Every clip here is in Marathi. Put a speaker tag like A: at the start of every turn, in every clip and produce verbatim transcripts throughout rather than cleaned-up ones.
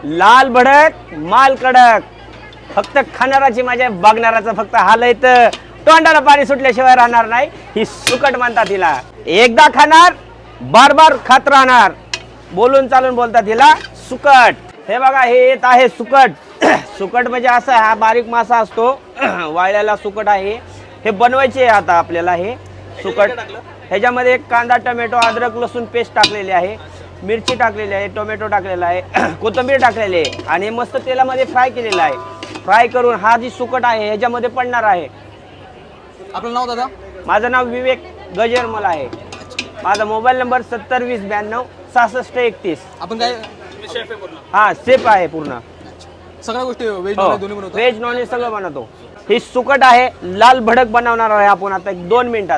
A: लाल भडक माल कडक, फक्त खाणाराची माझ्या बघणाराचं फक्त हाल येत, तोंडाला पाणी सुटल्याशिवाय राहणार नाही. ही सुकट म्हणतात हिला, एकदा खाणार बार बार खात राहणार, बोलून चालून बोलतात हिला सुकट. हे बघा हे येत आहे सुकट. सुकट म्हणजे असा हा बारीक मासा असतो, वाळल्याला सुकट आहे. हे बनवायचे आता आपल्याला हे सुकट. ह्याच्यामध्ये कांदा टोमॅटो अद्रक लसूण पेस्ट टाकलेली आहे, मिरची टाकलेली आहे, टोमॅटो टाकलेला आहे, कोथिंबीर टाकलेली आहे आणि मस्त तेलामध्ये फ्राय केलेला आहे. फ्राय करून हा जी सुकट आहे ह्याच्यामध्ये पडणार आहे.
B: आपलं नाव दादा?
A: माझं नाव विवेक गजरमल आहे. माझा मोबाईल नंबर सत्तर वीस ब्याण्णव सहासष्ट एकतीस.
B: आपण काय
A: हा सेफ आहे पूर्ण,
B: सगळ्या गोष्टी व्हेज नॉन दोन्ही बनवतो?
A: व्हेज नॉन व्हेज सगळं बनवतो. ही सुकट आहे, लाल भडक बनवणार आहे आपण आता एक दोन मिनिटात.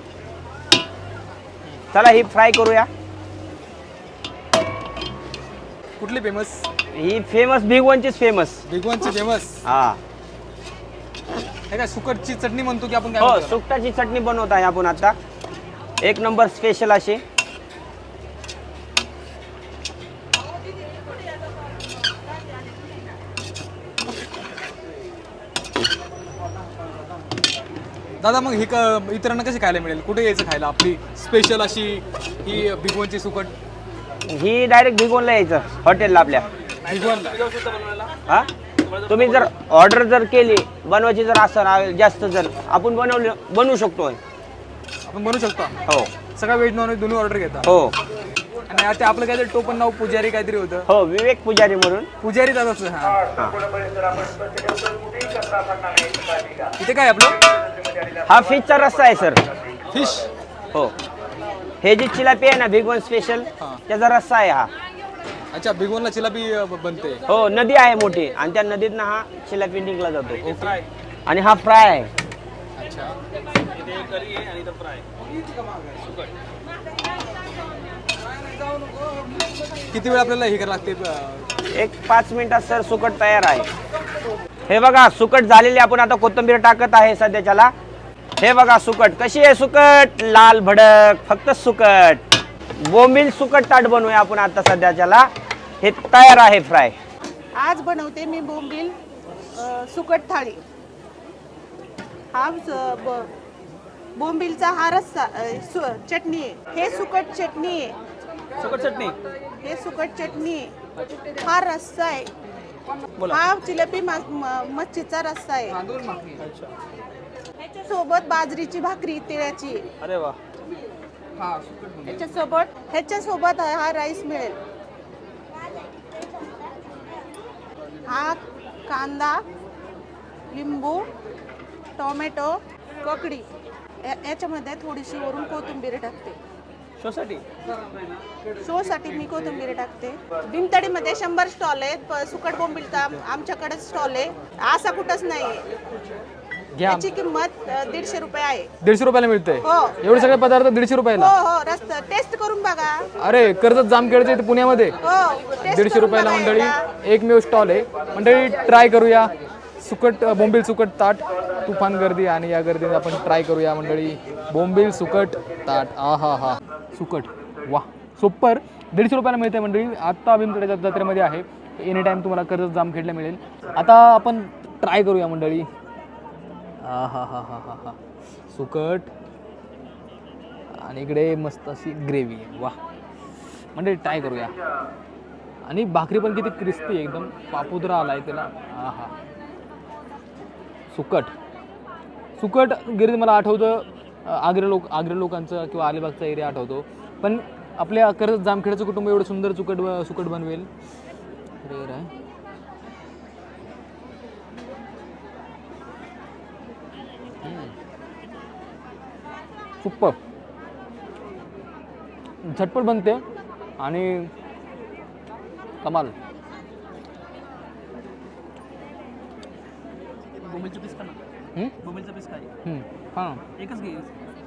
A: चला ही फ्राय करूया.
B: कुठली फेमस?
A: ही फेमस भिगवणचीच फेमस.
B: भिगवणची फेमस?
A: हा.
B: हे काय सुकटची चटणी म्हणतो की आपण काय
A: हो
B: म्हणतो?
A: सुकटाची चटणी बनवत आहे आपण आता, एक नंबर स्पेशल अशी.
B: दादा मग ही क- इतरांना कशी खायला मिळेल? कुठे यायचं खायला आपली स्पेशल अशी ही भिगवणची सुकट?
A: ही डायरेक्ट भिगवणला यायचं हॉटेलला आपल्या.
B: भिगवणला?
A: हा तुम्ही जर ऑर्डर जर केली बनवायची जर असं जास्त जर आपण बनवलं बनवू शकतो.
B: आपण बनवू शकतो?
A: हो
B: सगळं व्हेज नॉन व्हेज दोन्ही ऑर्डर घेता?
A: हो
B: आणि आता आपलं काहीतरी टोपण नाव पुजारी काहीतरी होतं?
A: हो विवेक पुजारी म्हणून.
B: पुजारी दादाच. हा.
A: हा.
B: इथे काय आपलं?
A: हा फिशचा रस्सा आहे सर.
B: फिश?
A: हो हे जी चिलापी आहे ना भिगवण स्पेशल
B: हा.
A: त्याचा रस्सा आहे हा.
B: अच्छा भिगवणला चिलापी अ, ब- बनते?
A: हो नदी आहे मोठी आणि त्या नदीतनं हा चिलापी निघला जातो. आणि हा फ्राय आहे.
B: अच्छा. किती वेळ आपल्याला हे करायला लागते? अ,
A: एक पाच मिनिटात सर सुकट तयार आहे. हे बघा सुकट झालेली आपण आता कोथिंबीर टाकत आहे सध्याच्याला. हे बघा सुकट कशी आहे, सुकट लाल भडक, फक्त सुकट. बोंबील सुकट ताट बनवूया आपण आता सध्याच्याला. हे तयार आहे फ्राय.
C: आज बनवते मी बोंबील अ, सुकट थाळी. हा स- ब- बोंबीलचा हा रस्सा अ, सु- चटणी आहे. हे सुकट चटणी आहे.
B: सुकट चटणी?
C: हे सुकट चटणी आहे. हा रस्सा आहे.
B: बोला.
C: हा जिलेबी मा- म- मच्छीचा रस्सा आहे. ह्याच्यासोबत बाजरीची भाकरी तिळाची.
B: अरे वा.
C: ह्याच्यासोबत ह्याच्यासोबत हा हा राईस मिळेल. हा कांदा, लिंबू, टोमॅटो, ककडी, या- याच्यामध्ये थोडीशी वरून कोथिंबीर टाकते.
B: शोसाठी?
C: शोसाठी मी कोथिंबीर टाकते. भीमतडीमध्ये शंभर स्टॉल आहेत. प- सुकट बोंबीलचा आम- आमच्याकडेच स्टॉल आहे. असा कुठंच नाही आहे.
B: घ्या.
C: याची किंमत अ, दीडशे रुपये आहे.
B: दीडशे रुपयाला मिळते?
C: हो.
B: एवढे सगळे पदार्थ दीडशे
C: हो
B: रुपयाला?
C: हो रस्ता टेस्ट करून बघा.
B: अरे कर्जत जामखेडचे इथे पुण्यामध्ये
C: हो टेस्ट
B: दीडशे
C: करून
B: रुपयाला
C: बघा
B: मंडळी
C: एकदा.
B: एकमेव स्टॉल आहे. मंडळी ट्राय करूया सुकट अ, बोंबील सुकट ताट. तुफान गर्दी आणि या गर्दीत आपण ट्राय करूया मंडळी बोंबील सुकट ताट. आ हा हा सुकट वा सुपर. दीडशे रुपयाला मिळते मंडळी. आत्ता भीमतडीच्या जत्रेमध्ये आहे. एनी टाईम तुम्हाला कर्जत जामखेडला मिळेल. आता आपण ट्राय करूया मंडळी. हा हा हा हा हा हा सुकट आणि इकडे मस्त अशी ग्रेव्ही आहे. वा म्हणजे ट्राय करूया. आणि भाकरी पण किती क्रिस्पी आहे, एकदम पापुद्रा आला आहे त्याला. हा हा सुकट सुकट गिरी मला आठवतं अ, आग्रा लोक आग्रा लोकांचं किंवा अलिबागचा एरिया आठवतो. पण आपल्या कर्जत जामखेडचं कुटुंब एवढं सुंदर सुकट ब- सुकट बनवेल रेअर आहे. सुपर झटपट बनते आणि कमाल.
D: बोंबीलचं पीस का ना?
B: हम्म?
D: बोंबीलचं पीस काय?
B: हम्म. हां
D: एकच घे.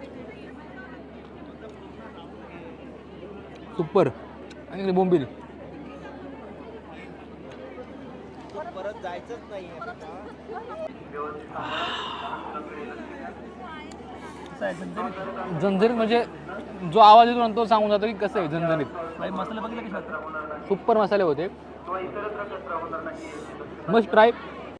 B: सुपर. आणि इकडे बोंबील.
A: परत जायचंच नाही.
D: कसं आहे झणझणीत?
B: झणझणीत म्हणजे जो आवाज येतो ना तो सांगून जातो की कसं आहे झणझणीत.
D: बाई मसाले बघितले कसे होते?
B: सुपर मसाले होते. Must try